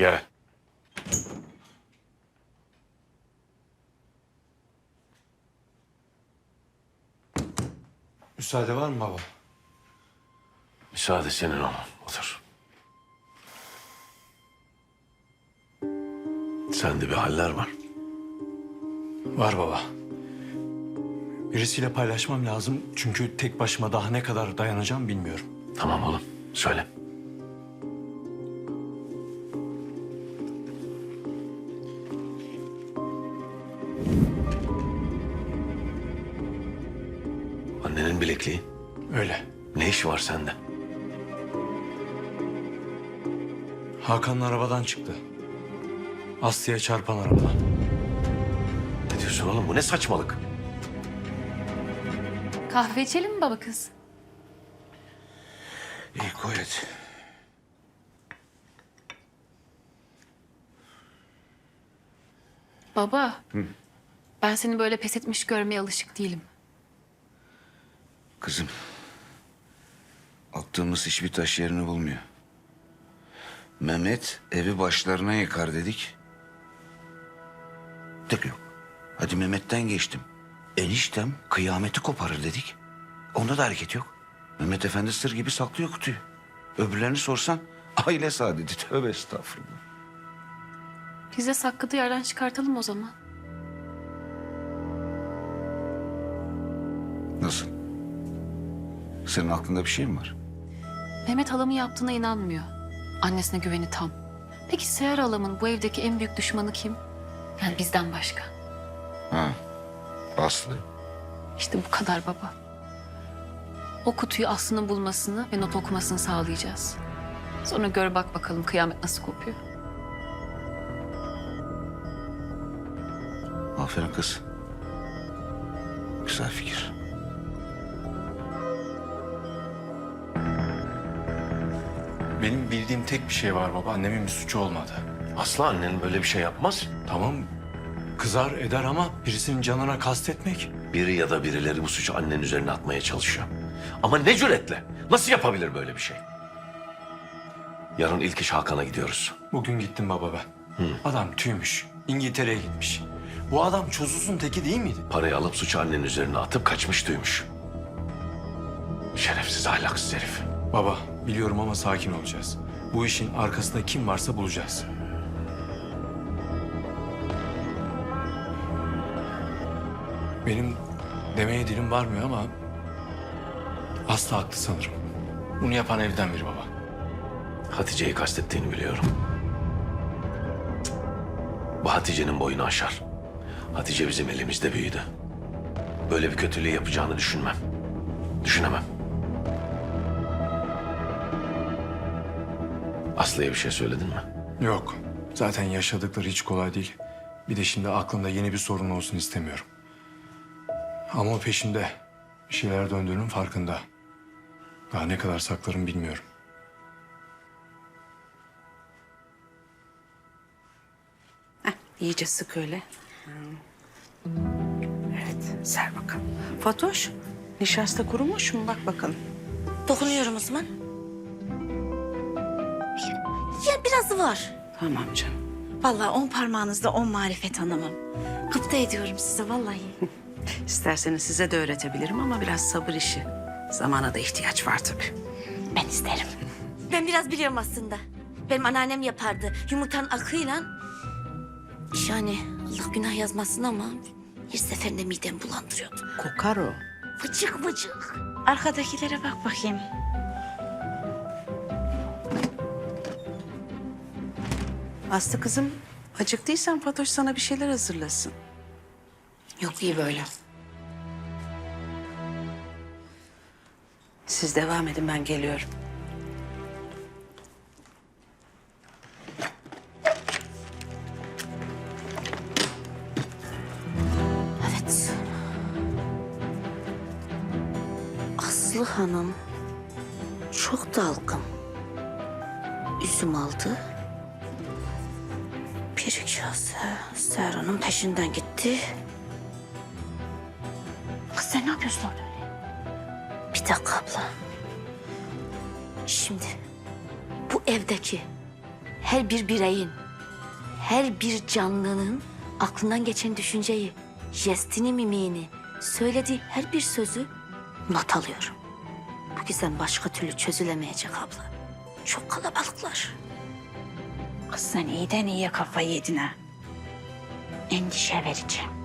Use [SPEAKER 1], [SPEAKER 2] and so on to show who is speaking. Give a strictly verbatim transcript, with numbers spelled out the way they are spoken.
[SPEAKER 1] Gel.
[SPEAKER 2] Müsaade var mı baba?
[SPEAKER 1] Müsaade senin oğlum. Otur. Sende bir haller var.
[SPEAKER 2] Var baba. Birisiyle paylaşmam lazım çünkü tek başıma daha ne kadar dayanacağım bilmiyorum.
[SPEAKER 1] Tamam oğlum. Söyle. Annenin bilekliği.
[SPEAKER 2] Öyle.
[SPEAKER 1] Ne işi var sende?
[SPEAKER 2] Hakan'ın arabadan çıktı. Aslı'ya çarpan arabadan.
[SPEAKER 1] Ne diyorsun oğlum? Bu ne saçmalık?
[SPEAKER 3] Kahve içelim mi baba kız?
[SPEAKER 4] İyi koy hadi.
[SPEAKER 3] Baba, ben seni böyle pes etmiş görmeye alışık değilim.
[SPEAKER 4] Kızım. Attığımız hiçbir taş yerini bulmuyor. Mehmet evi başlarına yıkar dedik. Tek yok. Hadi Mehmet'ten geçtim. Eniştem kıyameti koparır dedik. Onda da hareket yok. Mehmet Efendi sır gibi saklıyor kutuyu. Öbürlerini sorsan aile saadeti. Tövbe estağfurullah.
[SPEAKER 3] Biz de sakladığı yerden çıkartalım o zaman.
[SPEAKER 4] Nasıl? Senin aklında bir şey mi var?
[SPEAKER 3] Mehmet halamın yaptığına inanmıyor. Annesine güveni tam. Peki Seher halamın bu evdeki en büyük düşmanı kim? Yani bizden başka.
[SPEAKER 4] Ha, Aslı.
[SPEAKER 3] İşte bu kadar baba. O kutuyu Aslı'nın bulmasını ve not okumasını sağlayacağız. Sonra gör bak bakalım kıyamet nasıl kopuyor.
[SPEAKER 4] Aferin kız. Güzel fikir.
[SPEAKER 2] Benim bildiğim tek bir şey var baba. Annemin bir suçu olmadı.
[SPEAKER 1] Aslı annen böyle bir şey yapmaz.
[SPEAKER 2] Tamam kızar eder ama birisinin canına kastetmek.
[SPEAKER 1] Biri ya da birileri bu suçu annenin üzerine atmaya çalışıyor. Ama ne cüretle? Nasıl yapabilir böyle bir şey? Yarın ilk iş Hakan'a gidiyoruz.
[SPEAKER 2] Bugün gittim baba ben. Adam tüymüş. İngiltere'ye gitmiş. Bu adam çözülsün teki değil miydi?
[SPEAKER 1] Parayı alıp suçu annenin üzerine atıp kaçmış duymuş. Şerefsiz, ahlaksız herif.
[SPEAKER 2] Baba biliyorum ama sakin olacağız. Bu işin arkasında kim varsa bulacağız. Benim demeye dilim varmıyor ama Aslı haklı sanırım. Bunu yapan evden biri baba.
[SPEAKER 1] Hatice'yi kastettiğini biliyorum. Cık. Bu Hatice'nin boyunu aşar. Hatice bizim elimizde büyüdü. Böyle bir kötülüğü yapacağını düşünmem. Düşünemem. Aslı'ya bir şey söyledin mi?
[SPEAKER 2] Yok. Zaten yaşadıkları hiç kolay değil. Bir de şimdi aklında yeni bir sorun olsun istemiyorum. Ama o peşinde bir şeyler döndüğünün farkında. Daha ne kadar saklarım bilmiyorum.
[SPEAKER 5] Heh, iyice sık öyle. Evet, ser bakalım. Fatoş, nişasta kurumuş mu? Bak bakalım.
[SPEAKER 6] Dokunuyorum o zaman. Ya biraz var.
[SPEAKER 5] Tamam canım.
[SPEAKER 6] Vallahi on parmağınızda on marifet hanımım. Gıpta ediyorum size vallahi.
[SPEAKER 5] İsterseniz size de öğretebilirim ama biraz sabır işi. Zamana da ihtiyaç var tabii.
[SPEAKER 6] Ben isterim. Ben biraz biliyorum aslında. Benim anneannem yapardı. Yumurtanın akıyla. Yani Allah günah yazmasın ama her seferinde midemi bulandırıyordu.
[SPEAKER 5] Kokar o.
[SPEAKER 6] Vıcık vıcık. Arkadakilere bak bakayım.
[SPEAKER 5] Aslı kızım, acıktıysan Fatoş sana bir şeyler hazırlasın.
[SPEAKER 6] Yok iyi böyle.
[SPEAKER 5] Siz devam edin, ben geliyorum.
[SPEAKER 6] Evet. Aslı Hanım çok dalgın. Üzüm aldı. Bir kase Seher Hanım peşinden gitti. Kız sen ne yapıyorsun orada öyle? Bir dakika abla. Şimdi bu evdeki her bir bireyin, her bir canlının aklından geçen düşünceyi, jestini, mimiğini, söylediği her bir sözü not alıyorum. Bu gizem başka türlü çözülemeyecek abla. Çok kalabalıklar.
[SPEAKER 7] Kız sen iyiden iyiye kafayı yedin ha. Endişe verici.